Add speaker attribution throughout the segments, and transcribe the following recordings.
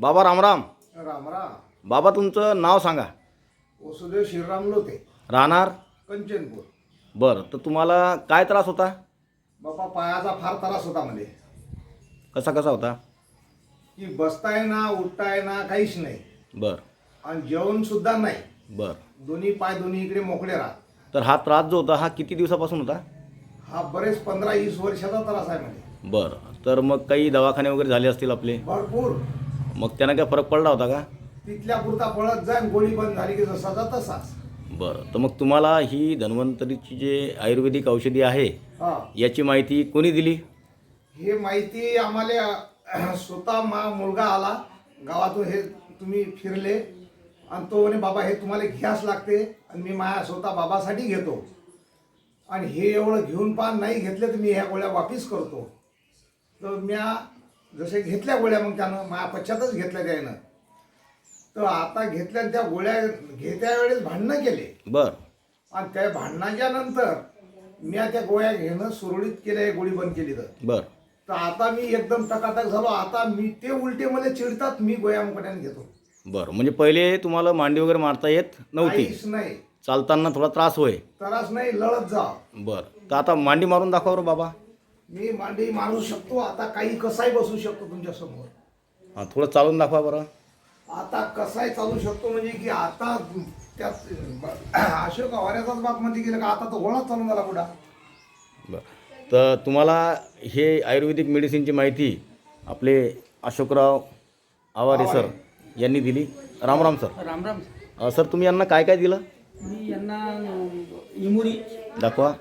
Speaker 1: बाबा रामराम.
Speaker 2: राम राम.
Speaker 1: बाबा तुमचं नाव सांगा.
Speaker 2: वसुदेव श्रीराम लोते,
Speaker 1: राहणार.
Speaker 2: कंचनपूर.
Speaker 1: बरं, तर तुम्हाला काय त्रास होता?
Speaker 2: बापा पायाचा फार त्रास होता मध्ये,
Speaker 1: कसा कसा होता?
Speaker 2: की बसताय ना उठताय ना काहीच नाही,
Speaker 1: बरं
Speaker 2: आणि जेवण सुद्धा नाही.
Speaker 1: बरं.
Speaker 2: दोन्ही पाय दोन्ही इकडे मोकळे राहत.
Speaker 1: तर हा त्रास जो होता हा किती दिवसापासून होता?
Speaker 2: हा बरेच 15-20 वर्षाचा त्रास आहे मध्ये.
Speaker 1: बरं, तर मग काही दवाखाने वगैरे झाले असतील आपले?
Speaker 2: भरपूर.
Speaker 1: मग त्यानं काय फरक पडला होता का?
Speaker 2: तिथल्या पुरता पळत जाईन, गोळी बंद झाली की जसाचा तसाच.
Speaker 1: बरं, तर मग तुम्हाला ही धन्वंतरीची जे आयुर्वेदिक औषधी आहे
Speaker 2: हा,
Speaker 1: याची माहिती कोणी दिली?
Speaker 2: हे माहिती आम्हाला स्वतः मुलगा आला गावातून. हे तुम्ही फिरले आणि तो म्हणे बाबा हे तुम्हाला घ्यास लागते, आणि मी माझ्या स्वतः बाबासाठी घेतो, आणि हे एवढं घेऊन पहा, नाही घेतले तर मी ह्या गोळ्या वापिस करतो. तर म्या जसे घेतल्या गोळ्या, मग त्यानं माझ्या पश्चातच घेतल्या त्यानं. तर आता घेतल्या त्या गोळ्या घेत्या वेळेस भांडणं केले,
Speaker 1: बरं
Speaker 2: आणि त्या भांडणाच्या नंतर मी त्या गोळ्या घेणं सुरळीत केलं, गोळी बंद केली.
Speaker 1: बरं.
Speaker 2: तर आता मी एकदम टकाटक झालो. आता मी ते उलटे मला चिडतात, मी गोळ्या मुकट्याने घेतो.
Speaker 1: बरं, म्हणजे पहिले तुम्हाला मांडी वगैरे मारता येत नव्हती,
Speaker 2: काहीच नाही,
Speaker 1: चालताना थोडा त्रास होय.
Speaker 2: त्रास नाही, लढत जा.
Speaker 1: बरं, तर आता मांडी मारून दाखवा बरं बाबा.
Speaker 2: मी मांडी मारू शकतो, आता काही कसाही बसू शकतो तुमच्या समोर.
Speaker 1: हां, थोडं चालून दाखवा बरं.
Speaker 2: आता कसाही चालू शकतो, म्हणजे की आता त्यात अशोक आवाऱ्याचाच बाप मध्ये गेलं का, आता तो गोळाच चालून झाला कुठं.
Speaker 1: बरं, तर तुम्हाला हे आयुर्वेदिक मेडिसिनची माहिती आपले अशोकराव आवारे सर यांनी दिली. रामराम सर.
Speaker 3: राम राम.
Speaker 1: सर तुम्ही यांना काय काय दिलं?
Speaker 3: मी यांना इमुरी,
Speaker 1: दाखवा.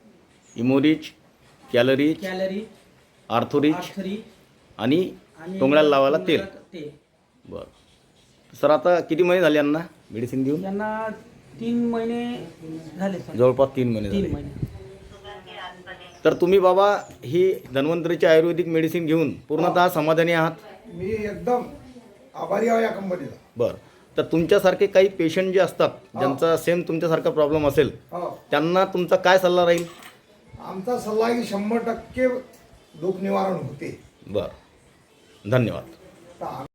Speaker 1: इमोरिच, कॅलरीच,
Speaker 3: कॅलरी,
Speaker 1: आर्थोरिच
Speaker 3: आर्थरी
Speaker 1: आणि टोंगळ्याला लावायला तेल.
Speaker 3: ते
Speaker 1: बरं, सर आता किती महिने झाले यांना मेडिसिन देऊन?
Speaker 3: यांना 3 महिने झाले सर.
Speaker 1: जवळपास 3 महिने
Speaker 3: 3
Speaker 1: झाले.
Speaker 3: महिने.
Speaker 1: तर तुम्ही बाबा ही धन्वंतरीची आयुर्वेदिक मेडिसिन घेऊन पूर्णतः समाधानी आहात?
Speaker 2: मी एकदम आभारी आहे या कंपनीला.
Speaker 1: बरं, तर तुमच्यासारखे काही पेशंट जे असतात ज्यांचा सेम तुमच्यासारखा प्रॉब्लेम असेल
Speaker 2: हो,
Speaker 1: त्यांना तुमचा काय सल्ला राहील?
Speaker 2: आमचा सल्ला आहे की 100% दुःख निवारण होते.
Speaker 1: बरं, धन्यवाद.
Speaker 2: तर